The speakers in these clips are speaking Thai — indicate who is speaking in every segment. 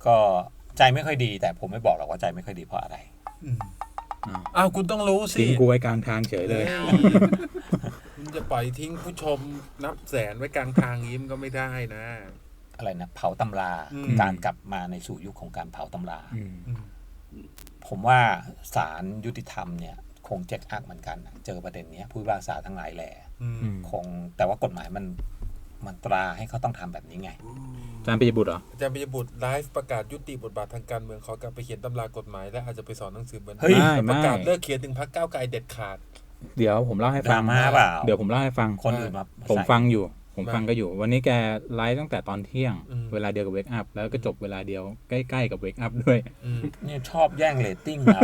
Speaker 1: ก็ใจไม่ค่อยดีแต่ผมไม่บอกหรอกว่าใจไม่ค่อยดีเพราะอะไร
Speaker 2: อ้าวคุณต้องรู้สิ
Speaker 3: ทิ้งกูไว้กลางทางเฉยเลย
Speaker 2: คุณจะปล่อยทิ้งผู้ชมนับแสนไว้กลางทางยิ้มก็ไม่ได้นะ
Speaker 1: อะไรนะเผาตำราการกลับมาในสู่ยุคของการเผาตำราผมว่าศาลยุติธรรมเนี่ยคงเจ็ดอักเหมือนกันเจอประเด็นนี้ผู้พิพากษาทั้งหลายแหล่คงแต่ว่ากฎหมายมันตราให้เขาต้องทำแบบนี้ไง
Speaker 3: อาจารย์ปิยบุตรเหรอ
Speaker 2: อาจารย์ปิยบุตรไลฟ์ประกาศยุติบทบาททางการเมืองขอกลับไปเขียนตำรากฎหมายและอาจจะไปสอนหนังสือบนประกาศเลิกเขียนถึงพรรคก้าวไกลเด็ดขาด
Speaker 3: เดี๋ยวผมเล่าให้ฟังเดี๋ยวผมเล่าให้ฟัง
Speaker 1: คนอื่นมา
Speaker 3: ผมฟังก็อยู่วันนี้แกไลฟ์ตั้งแต่ตอนเที่ยงเวลาเดียวกับเวกอัพแล้วก็จบเวลาเดียวใกล้ๆกับเวกอัพด้วย
Speaker 1: เนี่ยชอบแย่งเรตติ้งเรา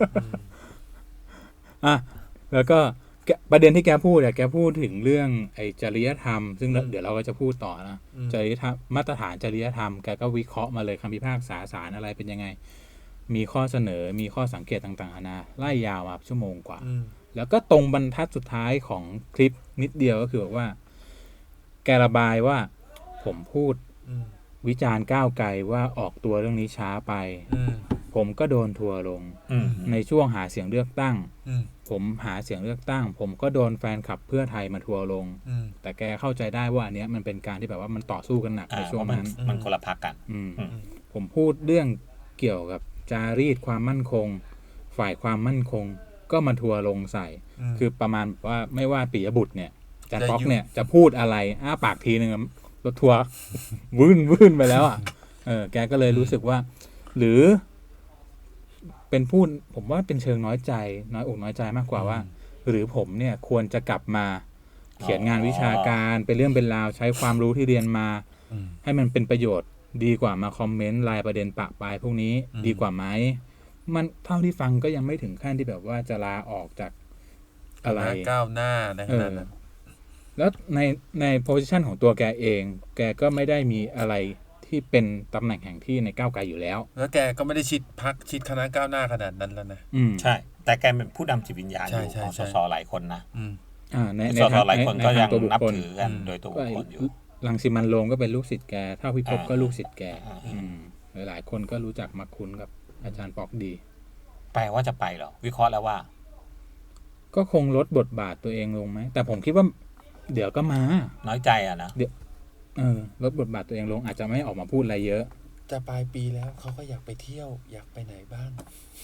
Speaker 3: อ่ะแล้วก็ประเด็นที่แกพูดเนี่ยแกพูดถึงเรื่องไอ้จริยธรรมซึ่งเดี๋ยวเราก็จะพูดต่อนะจริยธรรมมาตรฐานจริยธรรมแกก็วิเคราะห์มาเลยคำพิพากษาศาลอะไรเป็นยังไงมีข้อเสนอมีข้อสังเกตต่างๆนานาไล่ยาวมาชั่วโมงกว่าแล้วก็ตรงบรรทัดสุดท้ายของคลิปนิดเดียวก็คือบอกว่าแกระบายว่าผมพูดวิจารณ์ก้าวไกลว่าออกตัวเรื่องนี้ช้าไปผมก็โดนทัวร์ลงในช่วงหาเสียงเลือกตั้งผมหาเสียงเลือกตั้งผมก็โดนแฟนคลับเพื่อไทยมาทัวร์ลงแต่แกเข้าใจได้ว่าอันเนี้ยมันเป็นการที่แบบว่ามันต่อสู้กันหนักในช่วงนั้น
Speaker 1: มันคนละพรรคกัน
Speaker 3: ผมพูดเรื่องเกี่ยวกับจารีตความมั่นคงฝ่ายความมั่นคงก็มาทัวร์ลงใส่คือประมาณว่าไม่ว่าปิยบุตรเนี่ยอาจารย์ป๊อกเนี่ยจะพูดอะไรอ้าปากทีนึงรถทัวร์วื่นไปแล้วอ่ะแกก็เลยรู้สึกว่าหรือเป็นพูดผมว่าเป็นเชิงน้อยใจน้อยอกน้อยใจมากกว่าว่าหรือผมเนี่ยควรจะกลับมาเขียนงานวิชาการเป็นเรื่องเป็นราวใช้ความรู้ที่เรียนมาให้มันเป็นประโยชน์ดีกว่ามาคอมเมนต์รายประเด็นปะปลายพวกนี้ดีกว่าไหมมันเท่าที่ฟังก็ยังไม่ถึงขั้นที่แบบว่าจะลาออกจากอะไร
Speaker 2: ก้าวหน้าในขนาดนั้น
Speaker 3: แล้วในโพสิชันของตัวแกเองแกก็ไม่ได้มีอะไรที่เป็นตำแหน่งแห่งที่ในก้าวไกลอยู่แล้ว
Speaker 2: แล้วแกก็ไม่ได้ชิดพรรคชิดคณะก้าวหน้าขนาดนั้นแล้วนะ
Speaker 1: ใช่แต่แกเป็นผู้นำจิตวิญญาณอยู่ของสสหลายคนนะ
Speaker 3: ใน
Speaker 1: สสหลายคนก็ยังนับถือกันโดยตัวบุคคลอยู่
Speaker 3: รังสิมันต์โรมก็เป็นลูกศิษย์แกเท่าพิภพก็ลูกศิษย์แกหลายคนก็รู้จักมักคุ้นกับอาจารย์ปอกดี
Speaker 1: แปลว่าจะไปเหรอวิเคราะห์แล้วว่า
Speaker 3: ก็คงลดบทบาทตัวเองลงไหมแต่ผมคิดว่าเดี๋ยวก็มา
Speaker 1: น้อยใจอ่ะนะ
Speaker 3: เดี๋ยวลดบทบาทตัวเองลงอาจจะไม่ออกมาพูดอะไรเยอะ
Speaker 2: จะปลายปีแล้วเขาก็อยากไปเที่ยวอยากไปไหนบ้าง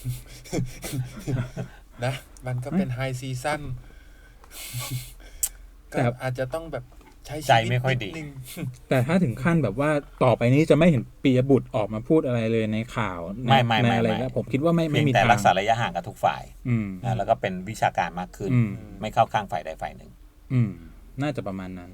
Speaker 2: นะมันก็เป็นไฮซีซั่นก็อาจจะต้องแบบใช้
Speaker 1: ใจไม่ค่อยดี
Speaker 3: แต่ถ้าถึงขั้นแบบว่าต่อไปนี้จะไม่เห็นปิยบุตรออกมาพูดอะไรเลยในข่าวในอะไรแล้วผมคิดว่าไม่มี
Speaker 1: แต่รักษาระยะห่างกับทุกฝ่ายแล้วก็เป็นวิชาการมากขึ้นไม่เข้าข้างฝ่ายใดฝ่ายหนึ่ง
Speaker 3: น่าจะประมาณนั้น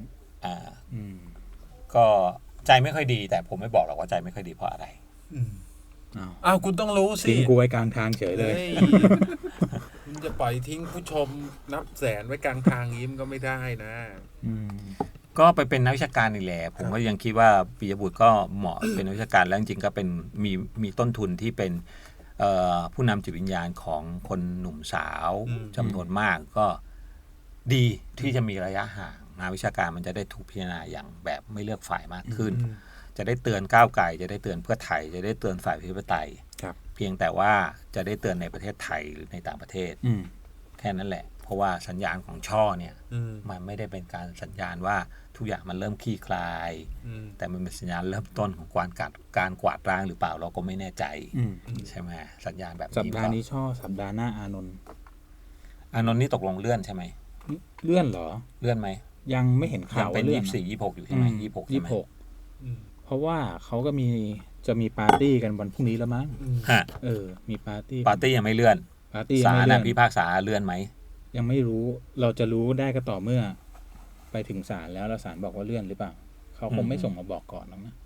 Speaker 1: ก็ใจไม่ค่อยดีแต่ผมไม่บอกหรอกว่าใจไม่ค่อยดีเพราะอะไร
Speaker 2: อ้าวคุณต้องรู้สิ
Speaker 3: ทิ้งกูไว้กลางทางเฉยเลย
Speaker 2: คุณจะปล่อยทิ้งผู้ชมนับแสนไว้กลางทางยิ้มก็ไม่ได้นะ
Speaker 1: ก็ไปเป็นนักวิชาการนี่แหละผมก็ยังคิดว่าปิยบุตรก็เหมาะเป็นนักวิชาการแล้วจริงๆก็เป็นมีต้นทุนที่เป็นผู้นำจิตวิญญาณของคนหนุ่มสาวจำนวนมากก็ดีที่จะมีระยะห่างงานวิชาการมันจะได้ถูกพิจารณาอย่างแบบไม่เลือกฝ่ายมากขึ้นจะได้เตือนก้าวไกลจะได้เตือนเพื่อไทยจะได้เตือนฝ่ายประชาธิปไตยเพียงแต่ว่าจะได้เตือนในประเทศไทยหรือในต่างประเทศแค่นั้นแหละเพราะว่าสัญญาณของช่อเนี่ยมันไม่ได้เป็นการสัญญาณว่าทุกอย่างมันเริ่มคลี่คลายแต่มันเป็นสัญญาณเริ่มต้นของการกวาดล้างหรือเปล่าเราก็ไม่แน่ใจใช่ไหมสัญญาณแบบนี้
Speaker 3: สัปดาห์นี้ช่อสัปดาห์หน้าอานนท์
Speaker 1: นี่ตกลงเลื่อนใช่ไหม
Speaker 3: เลื่อนเหรอ
Speaker 1: เลื่อนไหม
Speaker 3: ยังไม่เห็นข่าว
Speaker 1: เป็น24-26อยู่ใช่ไหม
Speaker 3: 26เพราะว่าเขาก็จะมีปาร์ตี้กันวันพรุ่งนี้แล้วมั้งมีปาร์ตี้
Speaker 1: ยังไม่เลื่อนศาลพิพากษาเลื่อนไหม
Speaker 3: ยังไม่รู้เราจะรู้ได้ก็ต่อเมื่อไปถึงศาลแล้วศาลบอกว่าเลื่อนหรือเปล่าเขาคงไม่ส่งมาบอกก่อนหรอกนะ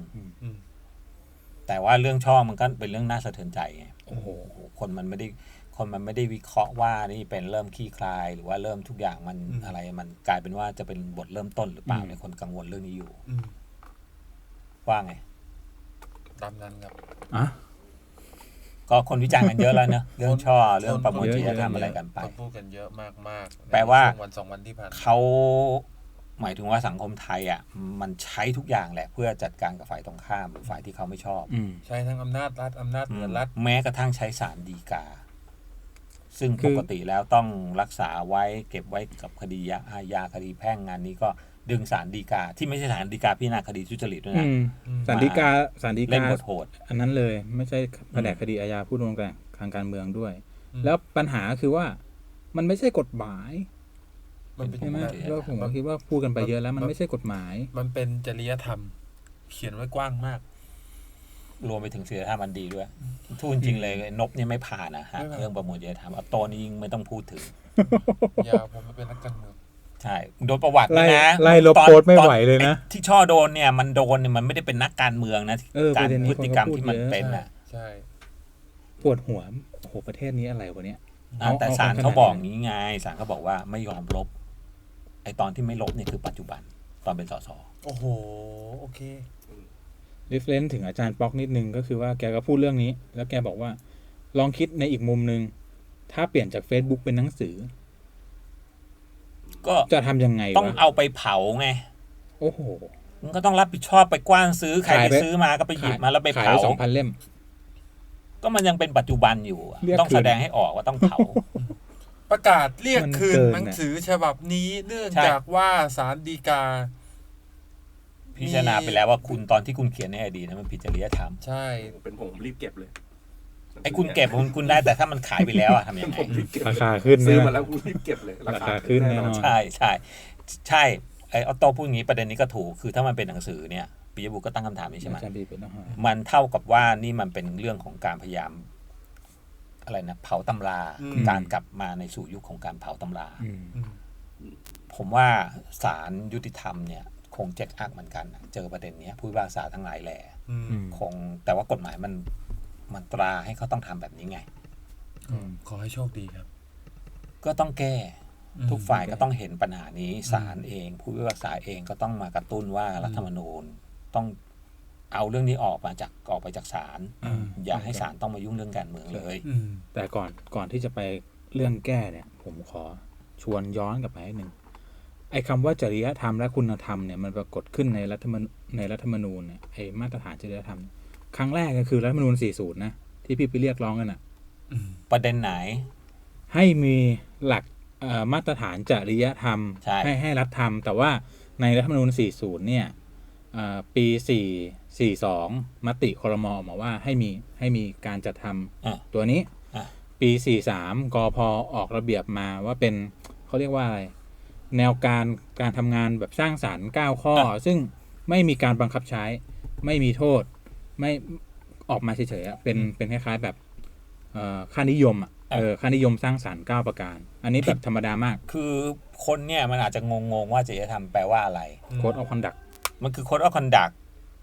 Speaker 1: แต่ว่าเรื่องช่อมันก็เป็นเรื่องน่าสะเทือนใจไงโอ้โหคนมันไม่ได้วิเคราะห์ว่านี่เป็นเริ่มคลี่คลายหรือว่าเริ่มทุกอย่างมันอะไรมันกลายเป็นว่าจะเป็นบทเริ่มต้นหรือเปล่าในคนกังวลเรื่องนี้อยู่ว่าไง
Speaker 2: ตามนั้นครับ
Speaker 1: ก็คนวิจารณ์กันเยอะแล้วเนอะเรื่องช่อเรื่องประมวลจริยธรรมอะไรกันไป
Speaker 2: พูดกันเยอะมากๆ
Speaker 1: แปลว่า
Speaker 2: วัน2วันที่ผ่าน
Speaker 1: เขาหมายถึงว่าสังคมไทยอ่ะมันใช้ทุกอย่างแหละเพื่อจัดการกับฝ่ายตรงข้ามฝ่ายที่เขาไม่ชอบ
Speaker 2: ใช้ทั้งอำนาจรัฐอำนาจเหนือรัฐ
Speaker 1: แม้กระทั่งใช้ศาลฎีกา ซึ่งปกติแล้วต้องรักษาไว้เก็บไว้กับคดีอาญาคดีแพ่งงานนี้ก็ดึงศาลฎีกาที่ไม่ใช่ศาลฎีกาพิจารณาคดีทุจริตด้วยนะ
Speaker 3: ศาลฎีกา
Speaker 1: เล่นบทโหด
Speaker 3: อันนั้นเลยไม่ใช่แผนกคดีอาญาพูดตรงกันทางการเมืองด้วย แล้วปัญหาคือว่ามันไม่ใช่กฎหมาย
Speaker 2: มันเป็น
Speaker 3: ใช่ไหม
Speaker 1: จริยธรรม
Speaker 3: แล้วผมก็คิดว่าพูดกันไปเยอะแล้วมันไม่ใช่กฎหมาย
Speaker 2: มันเป็นจริยธรรม เขียนไว้กว้างมาก
Speaker 1: รวมไปถึงศีลธรรมอันดีด้วยทูจริงๆเลยนบเนี่ยไม่ผ่านนะฮะ
Speaker 2: ไม่ผ่าน
Speaker 1: เรื่องประมวลจริยธรรมเอาโตนี่ยิ่งไม่ต้องพูดถึง
Speaker 2: อย่าผมมาเป็นนักการเมือง
Speaker 1: ใช่โดนประวัติด้วยนะ
Speaker 3: ไล่ลบโพสต์ไม่ไหวเลยนะ
Speaker 1: ไอ้ที่ช่อโดนเนี่ยมันโดนเนี่ยมันไม่ได้เป็นนักการเมืองนะ
Speaker 3: ป
Speaker 1: การ
Speaker 3: ระเด็นนี้
Speaker 1: พฤติกรรม
Speaker 3: คนก็พูด
Speaker 1: ที่มัน
Speaker 3: เยอะ
Speaker 1: เป็นน่ะ
Speaker 2: ใช่
Speaker 3: ปวดหัวโอ้โหประเทศนี้อะไรวะเนี่ย
Speaker 1: แต่ศาลเขาบอกงี้ไงศาลเขาบอกว่าไม่ยอมลบไอ้ตอนที่ไม่ลบเนี่ยคือปัจจุบันตอนเป็นสส
Speaker 2: โอ้โหโอเค
Speaker 3: reference ถึงอาจารย์ป๊อกนิดนึงก็คือว่าแกก็พูดเรื่องนี้ แล้วแกบอกว่าลองคิดในอีกมุมนึงถ้าเปลี่ยนจาก Facebook เป็นหนังสือ
Speaker 1: ก็
Speaker 3: จะทำยังไง
Speaker 1: ต้อง
Speaker 3: วะ
Speaker 1: เอาไปเผาไง
Speaker 3: โอ้โห
Speaker 1: มันก็ต้องรับผิดชอบไปกว้านซื้อใคร
Speaker 3: ขาย
Speaker 1: ไป
Speaker 3: ไป
Speaker 1: ซื้อมาก็ไปหยิบมาแล้วไป
Speaker 3: ขาย
Speaker 1: เผา
Speaker 3: 2,000 เล่ม
Speaker 1: ก็มันยังเป็นปัจจุบันอยู่อะ
Speaker 3: เรียก
Speaker 1: ต้อง
Speaker 3: คืน
Speaker 1: แสดงให้ออกว่าต้องเผา
Speaker 2: ประกาศเรียก
Speaker 3: มัน
Speaker 2: คืน
Speaker 3: เกิน
Speaker 2: หนังสือฉบับนี้เนื่อง
Speaker 1: ใช่
Speaker 2: จากว่าศาลฎีกา
Speaker 1: พิจารณาไปแล้วว่าคุณตอนที่คุณเขียนในอดีตนั้นมันผิดจริยธรรม
Speaker 2: ใช่
Speaker 4: เป็นผมรีบเก็บเลย
Speaker 1: ไอ้คุณเก็บคุณได้แต่ถ้ามันขายไปแล้วอะทำยังไง
Speaker 4: ผมรีบเก็บ
Speaker 3: ราคาขึ้น
Speaker 4: ซื้อ
Speaker 3: นะ
Speaker 4: มาแล้วกูรีบเก็บเลย
Speaker 3: ราคาขึ้นแน่นอน
Speaker 1: ใช่ใช่ใช่ไอ้ออโต้พูดอย่างนี้ประเด็นนี้ก็ถูกคือถ้ามันเป็นหนังสือเนี่ยปิยบุตรก็ตั้งคำถามนี้ใช่ไหม
Speaker 3: อาจารย์บีเป็นนะฮะ
Speaker 1: มันเท่ากับว่านี่มันเป็นเรื่องของการพยายามอะไรนะเผาตำรา การกลับมาในสู่ยุคของการเผาตำรา
Speaker 3: อืม
Speaker 1: ผมว่าศาลยุติธรรมเนี่ยคงเจ็ดอักเหมือนกันนะเจอประเด็นเนี้ยผู้พิพากษาทั้งหลายแหล่
Speaker 2: อืม
Speaker 1: คงแต่ว่ากฎหมายมันตราให้เขาต้องทำแบบนี้ไง
Speaker 2: ขอให้โชคดีครับ
Speaker 1: ก็ต้องแก้
Speaker 2: อืม
Speaker 1: ทุกฝ่ายก็ต้องเห็นปัญหานี้ศาลเองผู้พิพากษาเองก็ต้องมากระตุ้นว่ารัฐธรรมนูญต้องเอาเรื่องนี้ออกไปจากศาลอย่าให้ศาลต้องมายุ่งเรื่องการเมืองเลย
Speaker 2: อืม
Speaker 3: แต่ก่อนที่จะไปเรื่องแก้เนี่ย ผมขอชวนย้อนกลับไปนิดนึงไอ้คำว่าจริยธรรมและคุณธรรมเนี่ยมันปรากฏขึ้นในรัฐธรรมนูญเนี่ยไอ้มาตรฐานจริยธรรม ครั้งแรกก็คือรัฐธรรมนูญ 40 นะที่พี่ไปเรียกร้องกันอ่ะ
Speaker 1: ประเด็นไหน
Speaker 3: ให้มีหลักมาตรฐานจริยธรรม
Speaker 1: ใช่
Speaker 3: ให้รัฐทำแต่ว่าในรัฐธรรมนูญ 40 เนี่ยปี 42 มติครม.ออกมาว่าให้มีการจัดท
Speaker 1: อ่ะ
Speaker 3: ำตัวนี้
Speaker 1: อ่ะ
Speaker 3: ปี 43 กพ.ออกระเบียบมาว่าเป็นเขาเรียกว่าอะไร แนวการทำงานแบบสร้างสรรค์ 9 ข้อ ซึ่งไม่มีการบังคับใช้ ไม่มีโทษ ไม่ออกมาเฉยๆอะเป็นคล้ายๆแบบค่านิยมอ่ะค่านิยมสร้างสรรค์ 9 ประการ อันนี้แบบธรรมดามาก
Speaker 1: คือคนเนี่ยมันอาจจะงงว่าจริยธรรมแปลว่าอะไร
Speaker 3: Code of Conduct
Speaker 1: มันคือ Code of Conduct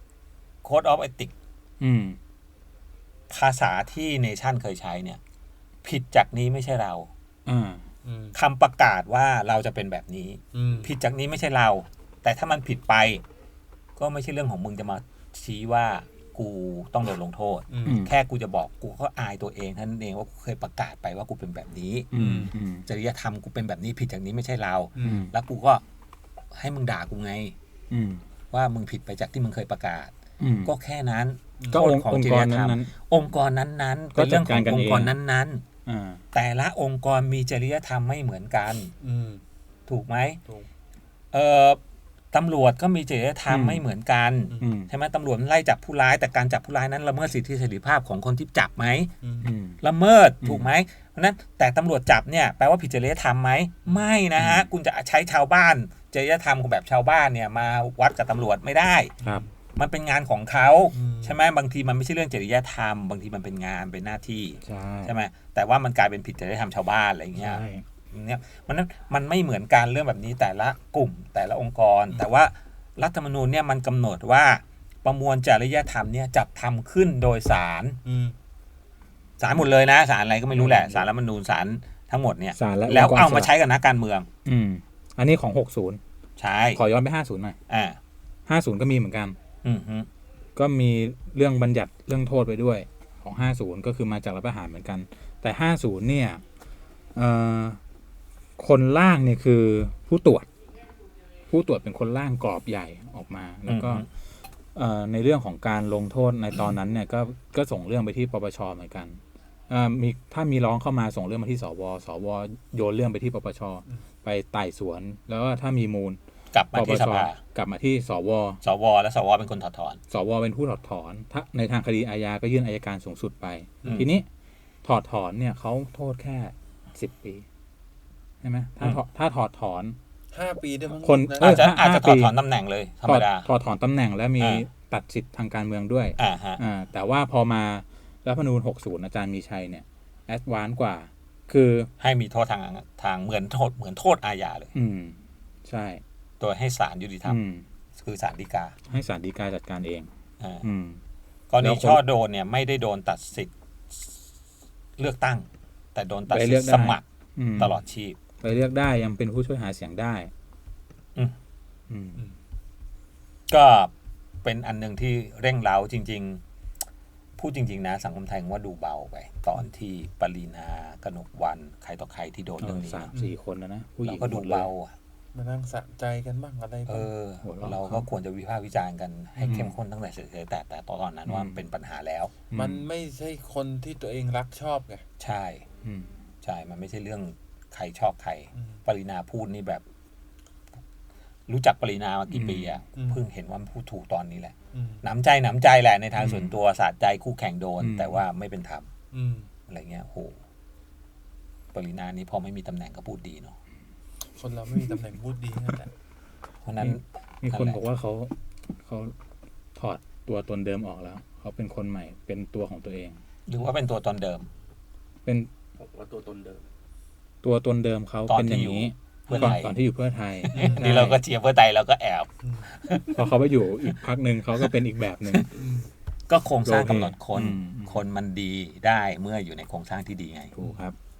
Speaker 1: Code of Ethics
Speaker 3: อืม
Speaker 1: ภาษาที่เนชั่นเคยใช้เนี่ย ผิดจากนี้ไม่ใช่เรา
Speaker 3: อ่า
Speaker 1: คำประกาศว่าเราจะเป็นแบบนี้
Speaker 2: อืม
Speaker 1: ผิดจากนี้ไม่ใช่เรา แต่ถ้ามันผิดไป ก็ไม่ใช่เรื่องของมึงจะมาชี้ว่ากูต้องโดนลงโทษ
Speaker 2: อืม
Speaker 3: อืม
Speaker 1: แค่กูจะบอกกูก็อายตัวเองเท่านั้นเองว่ากูเคยประกาศไปว่ากูเป็นแบบนี้
Speaker 3: อืมอืม
Speaker 1: จริยธรรมกูเป็นแบบนี้ผิดจากนี้ไม่ใช่เรา
Speaker 2: อืม
Speaker 1: แล้วกูก็ให้มึงด่ากูไง
Speaker 3: อืม
Speaker 1: ว่ามึงผิดไปจากที่มึงเคยประกาศ
Speaker 3: อืม
Speaker 1: ก็แค่นั้น
Speaker 3: ก็
Speaker 1: โทษ
Speaker 3: องค์กรนั้น
Speaker 1: องค์กรนั้นๆ
Speaker 3: ก็
Speaker 1: เป็นเรื่องของ
Speaker 3: จัดการกัน
Speaker 1: องค์กร
Speaker 3: เอง
Speaker 1: นั้น
Speaker 3: อ่า
Speaker 1: ๆ แต่ละองค์กรมีจริยธรรมไม่เหมือนกัน
Speaker 2: อืม
Speaker 1: ถูกไหม
Speaker 2: ถูก
Speaker 1: ตำรวจก็มีจริยธรรม
Speaker 3: อืม
Speaker 1: ไม่เหมือนกัน
Speaker 3: อืม
Speaker 1: ใช่ไหมตำรวจไล่จับผู้ร้ายแต่การจับผู้ร้ายนั้นละเมิดสิทธิเสรีภาพของคนที่จับไหม
Speaker 2: อืม
Speaker 3: อืม
Speaker 1: ละเมิด
Speaker 3: อืม
Speaker 1: ถูกไหมเพราะฉะนั้นแต่ตำรวจจับเนี่ยแปลว่าผิดจริยธรรมไหมไม่นะฮะคุณจะใช้ชาวบ้านจริยธรรมของแบบชาวบ้านเนี่ยมาวัดกับตำรวจไม่ได้
Speaker 3: ครับ
Speaker 1: มันเป็นงานของเขา
Speaker 2: อืม
Speaker 1: ใช่ไหมบางทีมันไม่ใช่เรื่องจริยธรรมบางทีมันเป็นงานเป็นหน้าที่
Speaker 3: ใช่
Speaker 1: ใช่ไหมแต่ว่ามันกลายเป็นผิดจริยธรรมชาวบ้านอะไรอย่างเงี้ย
Speaker 3: ใช่
Speaker 1: เนี่ยมันไม่เหมือนกันเรื่องแบบนี้แต่ละกลุ่มแต่ละองค์กร แต่ว่ารัฐธรรมนูญเนี่ยมันกำหนดว่าประมวลจริยธรรมเนี่ยจัดทำขึ้นโดยศาล
Speaker 2: อืม
Speaker 1: ศาลหมดเลยนะศาลอะไรก็ไม่รู้แหละศาลรัฐธรรมนูญศาลทั้งหมดเนี่ย
Speaker 3: ศาลและ
Speaker 1: แล้ว
Speaker 3: องค์กร
Speaker 1: เอามา
Speaker 3: อิสระ
Speaker 1: ใช้กับนักการเมือง
Speaker 3: อืม อันนี้ของ 60
Speaker 1: ใช่
Speaker 3: ขอย้อนไป 50 หน่อย
Speaker 1: อ่า
Speaker 3: 50 ก็มีเหมือนกัน
Speaker 1: อืมฮึ
Speaker 3: ก็มีเรื่องบัญญัติเรื่องโทษไปด้วยของ 50 ก็คือมาจากรัฐประหารเหมือนกัน แต่ 50 เนี่ยคนล่างเนี่ยคือผู้ตรวจผู้ตรวจเป็นคนร่างกรอบใหญ่ออกมา แล้วก็ในเรื่องของการลงโทษในตอนนั้นเนี่ยก็ส่งเรื่องไปที่ปปชเหมือนกันถ้ามีร้องเข้ามาส่งเรื่องมาที่สวโยนเรื่องไปที่ปปชไปไต่สวนแล้วก็ถ้ามีมูล
Speaker 1: กลับมาที่สภาก
Speaker 3: ลับมาที่สว
Speaker 1: และสวเป็นคนถอดถอน
Speaker 3: สวเป็นผู้ถอดถอนถ้าในทางคดีอาญาก็ยื่นอัยการสูงสุดไป ทีนี้ถอดถอนเนี่ยเขาโทษแค่10 ปีใช่ไหมถ้าถอดถอน
Speaker 2: 5 ปีได้มั้ง
Speaker 3: คน
Speaker 2: นะ
Speaker 1: อาจจะถอดถอนตำแหน่งเลยธรรมดา
Speaker 3: ถอดถอนตำแหน่งและมีตัดสิทธิ์ทางการเมืองด้วย
Speaker 1: ฮะ
Speaker 3: แต่ว่าพอมารัฐธรรมนูญ60อาจารย์มีชัยเนี่ยแอดวานซ์กว่า คือ
Speaker 1: ให้มีโทษทางเหมือนโทษอาญาเลย
Speaker 3: ใช่
Speaker 1: โดยให้ศาลยุติธรรมคือศาลฎีกา
Speaker 3: ให้ศาลฎีกาจัดการเอง
Speaker 1: กรณีช่อโดนเนี่ยไม่ได้โดนตัดสิทธิ์เลือกตั้ง แต่โดนตัดสิทธิ์สมัครตลอดชีพ
Speaker 3: ไปเลือกได้ยังเป็นผู้ช่วยหาเสียงได้
Speaker 1: ก็เป็นอันหนึ่งที่เร่งเร้าจริงๆพูดจริงๆนะสังคมไทยว่าดูเบาไปตอนที่ปรีณากนกวรรณใครต่อใครที่โดนเรื่องนี้
Speaker 3: 3-4 คนนะผู้หญิ
Speaker 1: เรา
Speaker 3: ง
Speaker 1: ก็ดูเบา
Speaker 2: มานั่งสะใจกันบ้างอะไรบ้าง
Speaker 1: เราก็ควรจะวิพากษ์วิจารณ์กันให้เข้มข้นตั้งแต่เฉยๆแต่ตอนนั้นว่าเป็นปัญหาแล้ว
Speaker 2: มันไม่ใช่คนที่ตัวเองรักชอบไง
Speaker 1: ใช่ใช่มันไม่ใช่เรื่องใครชอบใครปรีณาพูดนี่แบบ รู้จักปรีณามากี่ปีอะเพิ่งเห็นว่าพูดถูกตอนนี้แหละหนำใจแหละในทางส่วนตัวสะใจคู่แข่งโดน แต่ว่าไม่เป็นธรรมอะไรเงี้ยโหปรีณานี่พอไม่มีตำแหน่งก็พูดดีเนาะ
Speaker 2: คนเราไม่มีตำแหน่งพูดดีนั่นแหละ
Speaker 1: เพราะนั้น
Speaker 3: มีคนบอกว่าเขาถอดตัวตนเดิมออกแล้วเขาเป็นคนใหม่เป็นตัวของตัวเอง
Speaker 1: หรือว่าเป็นตัวตนเดิม
Speaker 3: เป็น
Speaker 4: ผมว่าตัวตนเดิม
Speaker 3: ตัวตนเดิมเขาเป็นอย่างนี้
Speaker 1: เพื่อไทย
Speaker 3: ก่อนที่อยู่เพื่อไทย
Speaker 1: นี่เราก็เชียร์เพื่อไทยเราก็แอบ
Speaker 3: พอเขาไปอยู่อีกพักหนึ่งเขาก็เป็นอีกแบบหนึ่ง
Speaker 1: ก็โครงสร้างกำหนดคนมันดีได้เมื่ออยู่ในโครงสร้างที่ดีไง
Speaker 3: ถูกครับ